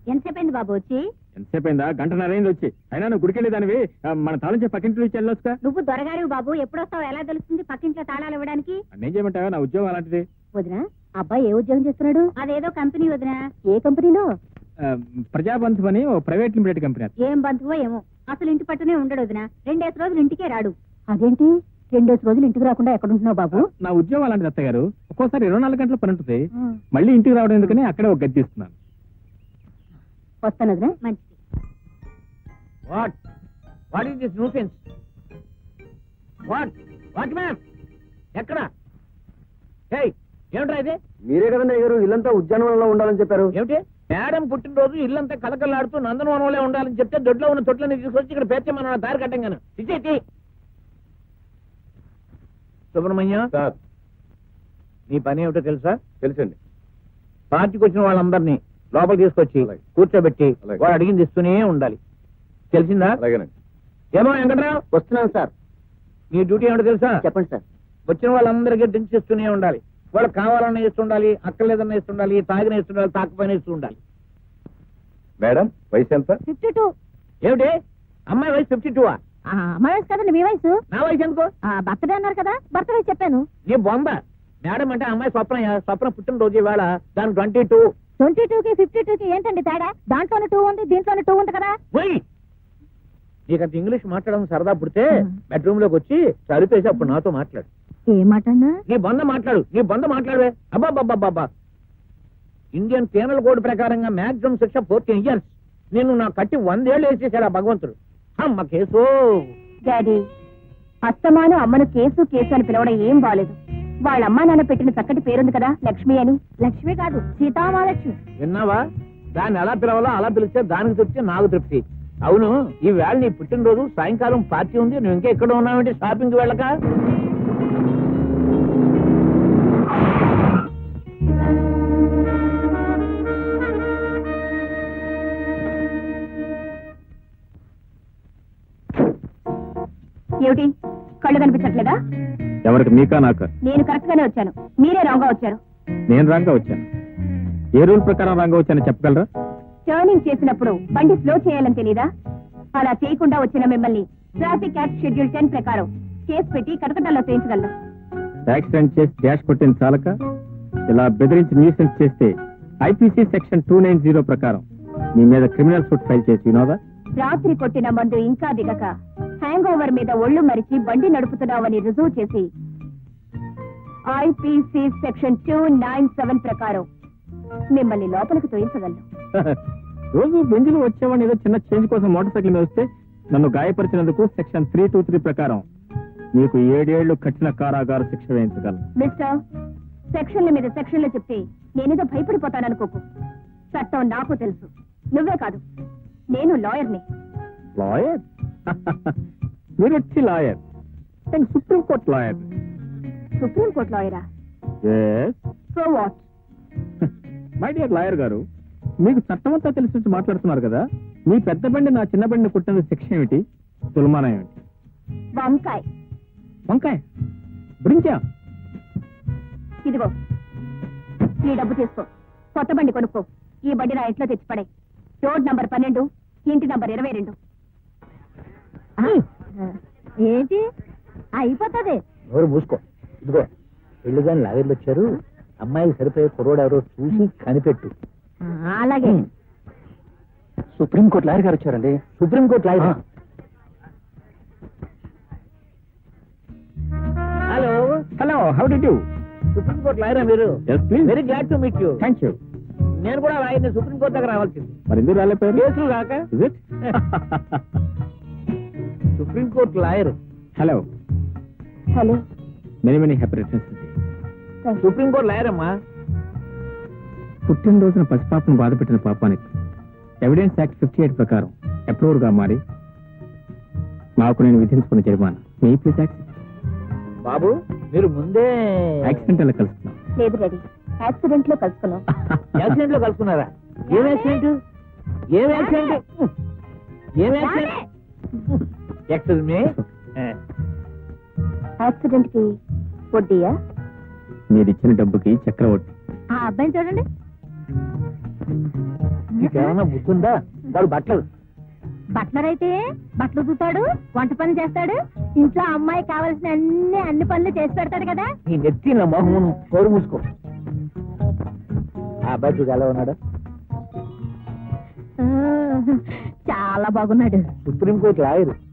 ఎంతసేపు అయింది బాబు వచ్చి? ఎంతసేపు అయిందా? గంటన్నర అయింది వచ్చి. అయినా నువ్వు గుడికెళ్ళేదానివి, మన తాళం పక్కింట్లో ఇచ్చి వెళ్ళొచ్చుగా. నువ్వు దొరగారు బాబు, ఎప్పుడొస్తావు ఎలా తెలుస్తుంది పక్కింట్లో తాళాలు ఇవ్వడానికి? నేను చేయమంటావా? నా ఉద్యోగం అలాంటిది. వదినా, అబ్బాయి ఏ ఉద్యోగం చేస్తున్నాడు? అదేదో కంపెనీ వదినా. ఏ కంపెనీలో? ప్రజాబంధు అని ఓ ప్రైవేట్ లిమిటెడ్ కంపెనీ. ఏం బంధువో ఏమో, అసలు ఇంటి పట్టునే ఉండడు వదినా. 2 రోజులు ఇంటికే రాడు. అదేంటి 2 రోజులు ఇంటికి రాకుండా ఎక్కడుంటున్నావు బాబు? నా ఉద్యోగం అలాంటిది అత్తయ్య గారు. ఒక్కోసారి 24 గంటల పని ఉంటుంది. మళ్ళీ ఇంటికి రావడం ఎందుకని అక్కడే ఒక గది తీస్తున్నాను. వస్తాను వదినా. మంచిది. What is this nuisance? What ma'am ఎక్కడ? ఏమిట్రా ఇది? మీరే కదండి అయ్యారు ఇల్లంతా ఉద్యానవనంలో ఉండాలని చెప్పారు. ఏమిటి మేడం పుట్టినరోజు ఇల్లంతా కలకల్లాడుతూ నందనవనంలో ఉండాలని చెప్తే దొడ్లో ఉన్న తొట్లని తీసుకొచ్చి ఇక్కడ పేర్చమన్న దారి కట్టంగాను. ఇచ్చేటి సుబ్రహ్మణ్యం సార్, నీ పని ఏమిటో తెలుసా? తెలుసండి. పార్టీకి వచ్చిన వాళ్ళందరినీ లోపల తీసుకొచ్చి అలాగే. కూర్చోబెట్టి అలాగే. వాడు అడిగింది ఇస్తూనే ఉండాలి. తెలిసిందా? అలాగేనండి. ఏమో వెంకట్రావు, వస్తున్నాను సార్. నీ డ్యూటీ ఏమిటో తెలుసా? చెప్పండి సార్. వచ్చిన వాళ్ళందరికీ డ్రింక్స్ ఇస్తూనే ఉండాలి. వాళ్ళకి కావాలన్నా ఇస్తుండాలి, అక్కర్లేదన్నా ఇస్తుండాలి, తాగిన ఇస్తుండాలి, తాకపోయినా ఇస్తూ ఉండాలి. మేడం వయసు ఎంత? 52. ఏమిటి అమ్మాయి వయసు 52? అమ్మాయి వయసు కదండి మీ వయసు. నా వయసు ఎందుకో? బర్త్డే అన్నారు కదా, బర్త్ వయసు చెప్పాను. నీ బొంద. మేడం అంటే అమ్మాయి స్వప్న పుట్టినరోజు ఇవాళ. దాని 22. 22కి 52కి ఏంటండి తేడా? దాంట్లోనే 2 ఉంది, దీంట్లోనే 2 ఉంది కదా. నీకంత ఇంగ్లీష్ మాట్లాడడం సరదా పుడితే బెడ్రూమ్ లోకి వచ్చి చదివేసి అప్పుడు నాతో మాట్లాడు. ఏ మాటన్నా? నీ బంద మాట్లాడవే. అబ్బాబ్బాబ్బా, ఇండియన్ పీనల్ కోడ్ ప్రకారంగా మాక్సిమం శిక్ష 14 years. నేను నా కట్టి 100 ఏళ్ళు వేసేసాడు ఆ భగవంతుడు. అమ్మ కేసు. డాడీ, అస్తమాను అమ్మను కేసు కేసు అని పిలవడం ఏం బాలేదు. వాళ్ళ అమ్మా నాన్న పెట్టిన చక్కటి పేరుంది కదా, లక్ష్మి అని. లక్ష్మి కాదు, సీతామహాలక్ష్మి. విన్నావా? దాన్ని ఎలా పిలవాలో అలా పిలిస్తే దానికి తృప్తి, నాకు తృప్తి. అవును, ఈ వేళ నీ పుట్టినరోజు, సాయంకాలం పార్టీ ఉంది. నువ్వు ఇంకా ఎక్కడ ఉన్నావంటే షాపింగ్ వెళ్ళక? ఏమిటి కళ్ళు కనిపించట్లేదా? ఎవరికి? మీకా నాకా? నేను కరెక్ట్ గానే వచ్చాను, మీరే రాంగ్ గా వచ్చారు. నేను రాంగా వచ్చాను. ఏ రూల్ ప్రకారం రాంగా వచ్చానో చెప్పగలరా? టర్నింగ్ చేసినప్పుడు బండి స్లో చేయాలని తెలీదా? అలా చేయకుండా వచ్చిన మిమ్మల్ని ట్రాఫిక్ యాక్ట్ షెడ్యూల్ 10 ప్రకారం కేసు పెట్టి కటకటాల్లో చేయించగలను. యాక్సిడెంట్ చేసి డాష్ కొట్టిన చాలక ఇలా బెదిరించి న్యూసెన్స్ చేస్తే ఐపీసీ సెక్షన్ 290 ప్రకారం మీ మీద క్రిమినల్ సూట్ ఫైల్ చేసి వినోదా? రాత్రి కొట్టిన మందు ఇంకా దిగక హ్యాంగ్ ఓవర్ మీద ఒళ్ళు మరిచి బండి నడుపుతున్నావని రుజువు చేసి ఐపీసీ సెక్షన్ 297 ప్రకారం మిమ్మల్ని లోపలికి తోయించగలను. రోజు బెంజులు వచ్చేవాడిని ఏదో చిన్న చేంజ్ కోసం మోటార్ సైకిల్ మీద వస్తే నన్ను గాయపరిచినందుకు సెక్షన్ 323 ప్రకారం మీకు 7 ఏళ్లు కఠిన కారాగార శిక్ష వేయించగలను. మిస్టర్, సెక్షన్ల మీద సెక్షన్లు చెప్తే నేనేదో భయపడిపోతాననుకోకు. చట్టం నాకు తెలుసు, నువ్వే కాదు, నేను లాయర్ని. లాయర్? మీరు వచ్చి లాయర్? నేను సుప్రీంకోర్టు లాయర్. సుప్రీంకోర్టు లాయరా? So what? My dear lawyer గారు, మీకు చట్టం అంతా తెలిసి మాట్లాడుతున్నారు కదా. మీ పెద్ద బండి నా చిన్న బండిని కుట్టిన శిక్ష ఏమిటి? తులమానం ఏమిటి? వంకాయ. వంకాయ? బ్రింకా? ఇదిగో ఈ డబ్బు తీసుకో, కొత్త బండి కొనుక్కో. ఈ బండి నా ఇంట్లో తెచ్చిపడే. రోడ్ నంబర్ 12, ఇంటి నంబర్ 22. ఏంటి అయిపోతుంది? ఎవరు మూసుకో. ఇదిగో పెళ్లి గాని లాగర్లు వచ్చారు. అమ్మాయికి సరిపోయే కుర్రోడు ఎవరో చూసి కనిపెట్టు. అలాగే. సుప్రీంకోర్టు లాయర్ గారు వచ్చారండి. Supreme court lawyer? Hello hello, how do you? Supreme court లాయరా మీరు? Yes please. Very glad to meet you. Thank you. నేను కూడా లాయర్ని. సుప్రీంకోర్టు దగ్గర రావాల్సింది. మరి ఎందుకు రాలేపోయారు? కేసులు కాక. Is it? Supreme court lawyer. Hello. Hello. Many happy returns. Supreme court lawyer అమ్మా. పుట్టినరోజున పసిపాపను బాధపెట్టిన పాపానికి ఎవిడెన్స్ యాక్ట్ 58 ప్రకారం అప్రూవర్ గా మారి నాకు నేను విధించుకున్న జరిమానా మీ ప్లీజ్ యాక్సిడెంట్. బాబు మీరు ముందే యాక్సిడెంట్ అలా కలుస్తున్నాం. లేదు డాడీ, యాక్సిడెంట్ లో కలుసుకున్నాం. యాక్సిడెంట్ లో కలుసుకున్నారా? ఏం యాక్సిడెంట్? ఏం యాక్సిడెంట్? ఏం యాక్సిడెంట్? Excuse me. యాక్సిడెంట్ కి వడ్డీయా? మీరు ఇచ్చిన డబ్బుకి చక్రవడ్డీ. ఆ అబ్బాయిని చూడండి. నీకేమన్నా బుద్ధుందా? వాడు బట్టలు బట్లర్ అయితే బట్టలు చూతాడు, వంట పనులు చేస్తాడు, ఇంట్లో అమ్మాయి కావాల్సిన అన్ని పనులు చేసి పెడతాడు కదా. నీ నెత్తి నా మొహం కోరు మూసుకో. ఆ అబ్బాయి చూడు ఎలా ఉన్నాడు? చాలా బాగున్నాడు. Supreme court lawyer.